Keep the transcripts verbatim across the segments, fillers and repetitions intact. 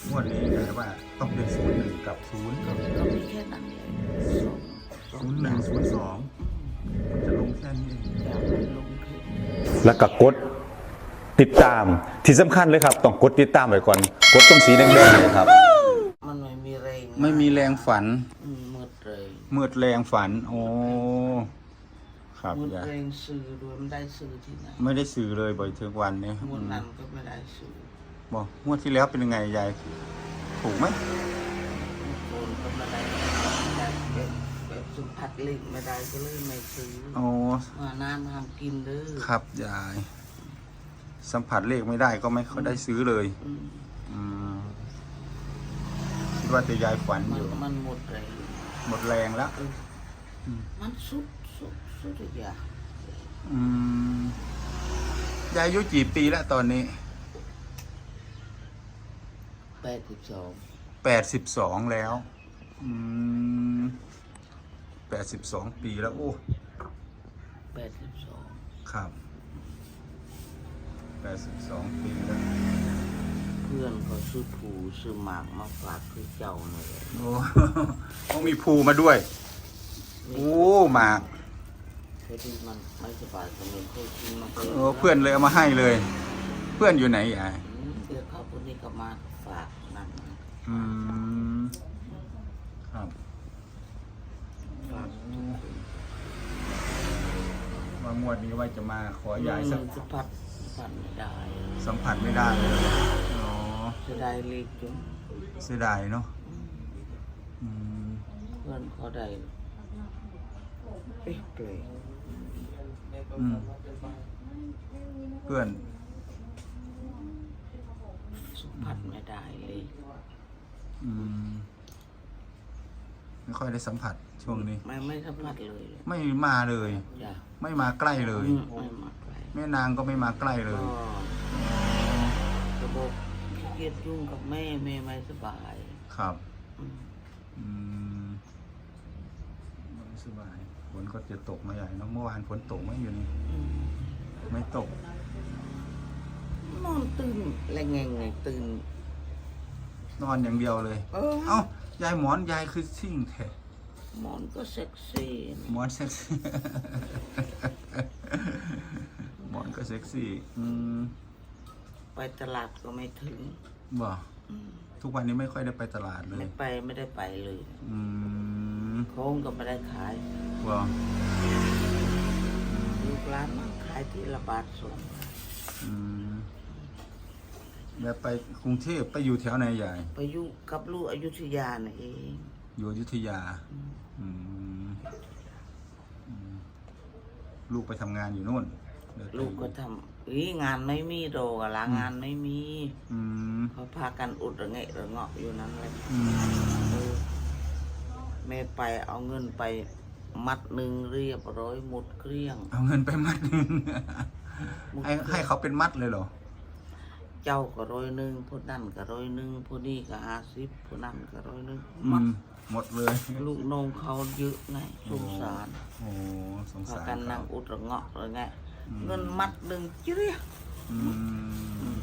งวดนี้แต่ว่าต้องเป็นศูนย์หนึ่งกับศูนย์ก็ก็มีแค่นั้นเองสองสองศูนย์หนึ่งศูนย์สองมันจะลงแค่นี้เองอยากให้ลงทุนแล้วก็กดติดตามที่สำคัญเลยครับต้องกดติดตามไว้ก่อนกดตรงสีแดงๆเลยครับมันไม่มีแรงไม่มีแรงฝันอืมมืดเลยมืดแรงฝันโอ้ครับมืดยายแรงซื้อด้วยมันได้ซื้อที่ไหนไม่ได้สื่อเลยบ่อยถึงวันนี้งวดนั้นก็ไม่ได้ซื้อบอกงวดที่แล้วเป็นยังไงยายถูกไหมโอนก็ไม่ได้ไม่ได้แบบแบบสัมผัสเล็กไม่ได้ก็เลยไม่ซื้อโอ้มาน้ำทำกินเด้อครับยาย สัมผัสเลขไม่ได้ก็ไม่ค่อยได้ซื้อเลยอืมอืมคิดว่าแต่ยายฝันมัอน ยู่มันหมดแรงหมดแรงแล้วเออมันสุดสุดสุดทุกอย่างอืมยายอายุกี่ปีแล้วตอนนี้แปดสิบสองแปดสิบสองแล้ว อืมแปดสิบสองปีแล้วโอ้แปดสิบสองครับแปดสิบสองปีแล้วเพื่อนเขาซื้อผูซื้อหมากมาฝากคือเจ้าเลยโอ้ต้องมีภูมาด้วย โอ้หมากพอดีมันไม่สบายก็เลยเคยกินมาโอ้เพื่อนเลยเอามาให้เลย เพื่อนอยู่ไหนยายอืมเดี๋ยวเขาคนนี้ก็มาฝากนั่นนะอืมครับฝากทุกคนว่างวดนี้ว่าจะมาขอยายสักมันสัมผัสสัมผัสไม่ได้สัมผัสไม่ได้เลยอ๋อจะได้เล็กจนเสียดายเนาะอืมเพื่อนเขาได้เอ๊ะเปลยอืมเพื่อนสัมผัสไม่ได้เลยอืมไม่ค่อยได้สัมผัสช่วงนี้ไม่ไม่สัมผัสเลยไม่มาเลยจ้ะไม่มาใกล้เลยอืมไม่มาไกลแม่นางก็ไม่มาใกล้เลก็ยระบบขี้เกียจยุ่งกับแม่แม่ไม่สบายครับอืมอืมไม่สบายฝนก็จะตกมาใหญ่เนอะเมื่อวานฝนตกไหมอยู่นี่อืมไม่ตกนอนตื่นแรงไงไงตื่นนอนอย่างเดียวเลยเออเอ้ายายหมอนยายคือซิ่งแท้หมอนก็เซ็กซี่หมอนเซ็กซี่ หมอนก็เซ็กซี่ อืมไปตลาดก็ไม่ถึงบ่อืมทุกวันนี้ไม่ค่อยได้ไปตลาดเลไม่ยไปไม่ได้ไปเลยอืมโค้งก็ไม่ได้ขายบ่ลูกร้านมันขายที่ละบาทสองอืมแบบไปกรุงเทพไปอยู่แถวไหนยายไปอยู่กับลูกอยุธยาน่ะเองอยู่อยุธยา อืมอืมลูกไปทำงานอยู่นู่นเดินไปลูกก็ทำอีงานไม่มีโดกะละงานไม่มีอืมเขาพากันอุดระเงะระเงาะอยู่นั้นเลยอืมเออแม่ไปเอาเงินไปมัดหนึ่งเรียบร้อยหมดเกลี้ยงเอาเงินไปมัดหนึ่งหมดให้เกลี้ยงให้เขาเป็นมัดเลยเหรอเจ้าก็ร้อยหนึ่งผู้นั่นก็ร้อยหนึ่งผู้นี่ก็ห้าสิบผู้นั่นก็ร้อยหนึ่งอืมัดมหมดเลยลูกน้องเขาเยอะไงสงสารโอ้สงพาสารกันนั่เขางอุดระเงาะระไงอืมเงินมัดหนึ่งเจี๊ยบอืม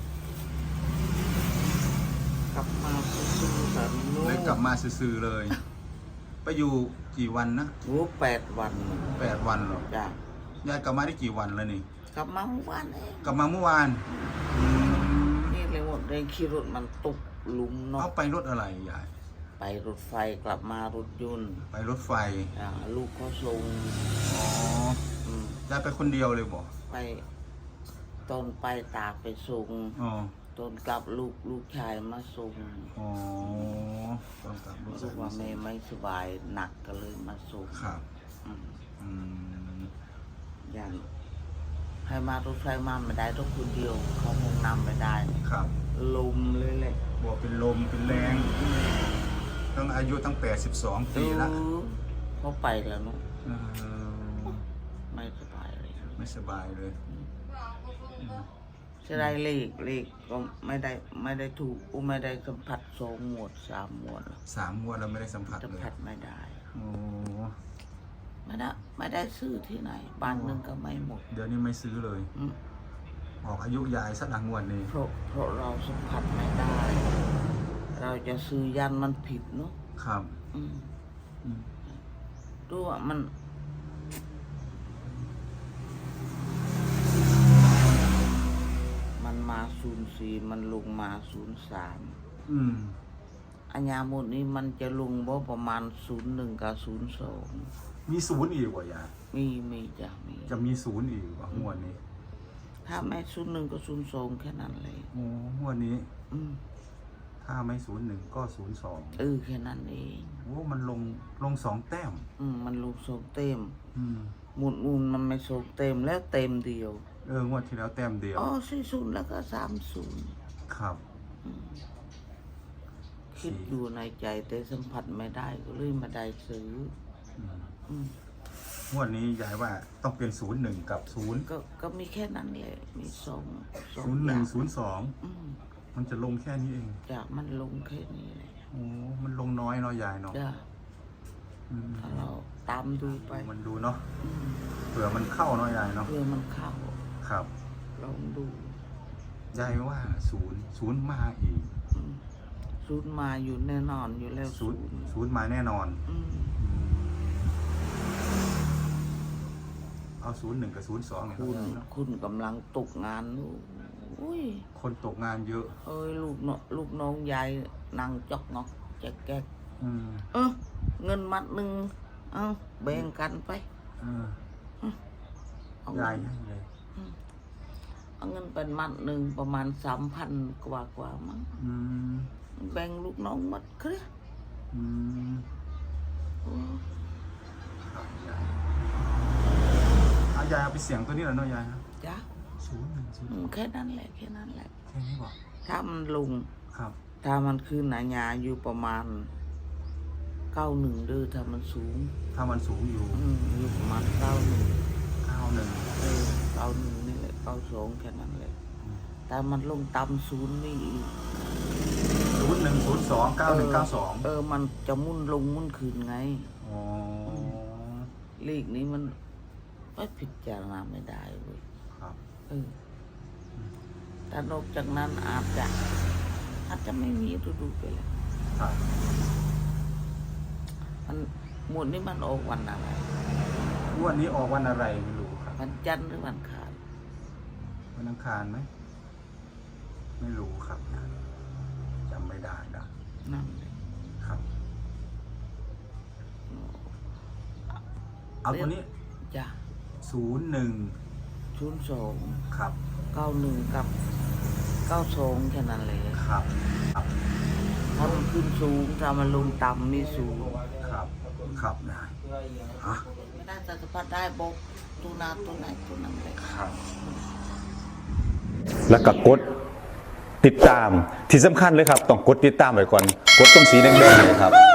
กลับมาซื้อๆแบบนู้เลยกลับมาซื่อๆเลย ไปอยู่กี่วันนะโอ้แปดวันแปดวันเหรอจ้ะยายกลับมาได้กี่วันแล้วนี่กลับมาเมื่อวานเองกลับมาเมื่อวานอืมนี่เลยหมดเลยขี่รถมันตกหลุมเนาะเอาไปรถอะไรยายไปรถไฟกลับมารถยนต์ไปรถไฟอ่าลูกเขาส่งอ๋ออืมยายไปคนเดียวเลยบอกไปตอนไปตากไปส่งอ๋อตอนกลับลูกลูกชายมาส่งอ๋อต้องกลับรถรู้ว่าแม่ไม่สบายหนักก็เลยมาส่งครับอืมอืมอย่างให้มารถไฟมาไม่ได้ต้องคนเดียว เขาห้องน้ำไม่ได้ครับลมเลยแหละบอกเป็นลมเป็นแรงตั้งอายุตั้งแปดสิบสองปีละเออเขาไปแล้วเนาะเออไม่สบายเลยไม่สบายเลยจะได้เลขเลขก็ไม่ได้ไม่ได้ถูกอุไม่ได้สัมผัสสองหมวดสามหมวดสามงวดเราไม่ได้สัมผัสสัมเลยผัสไม่ได้โอ้ไม่ได้ไม่ได้ซื้อที่ไหนบ้านหนึ่งก็ไม่หมดเดี๋ยวนี้ไม่ซื้อเลยอืมออกอายุยายสักหลังงวดนี้เพราะเพราะเราสัมผัสไม่ได้อเราจะซื้อยันมันผิดเนาะครับอืมอืมดูว่ามันมันมาศูนย์สี่มันลงมาศูนย์สามอืมอัญญาหมดนี้มันจะลงบ่ประมาณศูนย์หนึ่งกับศูนย์สองมีศูนย์อีกว่ะยายมีมีจ้ะมีจะมีศูนย์อีกว่ะงวดนี้ถ้าไม่ศูนย์หนึ่งก็ศูนย์สองแค่นั้นเลยโอ้งวดนี้อืมถ้าไม่ศูนย์หนึ่งก็ศูนย์สองเออแค่นั้นเองโอ้มันลงลงสองแต้มอืมมันลงสองเต็มอืมหมุนมุนมันไม่สองเต็มแล้วเต็มเดียวเอองวดที่แล้วแต้มเดียวอ๋อสี่ศูนย์แล้วก็สามศูนย์ครับคิดอยู่ในใจแต่สัมผัสไม่ได้ก็เลยมาได้ซื้ออืมอืมงวดนี้ยายว่าต้องเป็นศูนย์หนึ่งกับศูนย์ก็ก็มีแค่นั้นแหละมีสองสองศูนย์หอนึ่ย่าง งศูนย์สองอืมมันจะลงแค่นี้เองจากมันลงแค่นี้เลยโอ้มันลงน้อยเนาะยายเนาะจ้ะอืมถ้าเราตามดูไปมันดูเนาะอืมเผื่อมันเข้าเนาะยายเนาะเพื่อมันเข้าครับลองดูยายว่าศูนย์ศูนย์มาอีกอืมศูนย์มาอยู่แน่นอนอยู่แล้วศูนย์ศูนย์มาแน่นอนอืมเอาศูนย์หนึ่งกับศูนย์สองเนี่ยคุณเนาะคุณกำลังตกงานลูกอุ้ยคนตกงานเยอะเอ้ยลูกเนาะลูกน้องยายนั่งจอกงอกแจกแกกอืมเออเงินมัดหนึ่งเอาแบ่งกันไปเออเอายายเงินให้เลยเอาเงินเป็นมัดหนึ่งประมาณสามพันกว่ากว่ามั้งอืมแบ่งลูกน้องหมัดเครียดอืมโอ้ครับยายเอายายเอาไปเสียงตัวนี้แหละเนาะยายนะจ้ะศูนย์หนึ่งศูนย์อืมแค่นั้นแหละแค่นั้นแหละแค่นี้บอกถ้ามันลงครับถ้ามันขึ้นหนาญาอยู่ประมาณเก้าหนึ่งเด้อถ้ามันสูงถ้ามันสูงอยู่อืมอยู่ประมาณเก้าหนึ่งเก้าหนึ่งเออเก้าหนึ่งนี่แหละเก้าสองแค่นั้นแหละแต่มันลงต่ำศูนย์นี่อีกศูนย์หนึ่งศูนย์สองเก้าหนึ่งเก้าสองเออมันจะมุ่นลงมุ่นขึ้นไงอ๋อเลขนี้มันไปพิจารณาไม่ได้เว้ยครับเออแต่นอกจากนั้นอาจจะอาจจะไม่มีดูดูไปแล้วครับมันหมวดนี้มันออกวันอะไรงวดนี้ออกวันอะไรไม่รู้ครับวันจันทร์หรือวันอังคารวันอังคารไหมไม่รู้ครับจำไม่ได้นะนั่นเลยครับ เอาตัวนี้จ้ะศูนย์หนึ่งศูนย์สองครับเก้าหนึ่งกับเก้าสองแค่นั้นเลยครับครับถ้ามันขึ้นสูงถ้ามันลงต่ำมีสูงครับครับได้ฮะไม่ได้แต่สัมผัสได้บอกตัวนาตัวไหนตัวนั้นเลยครับแล้วก็กดติดตามที่สำคัญเลยครับ ต้องกดติดตามไว้ก่อน กดตรงสีแดงๆเนยครับ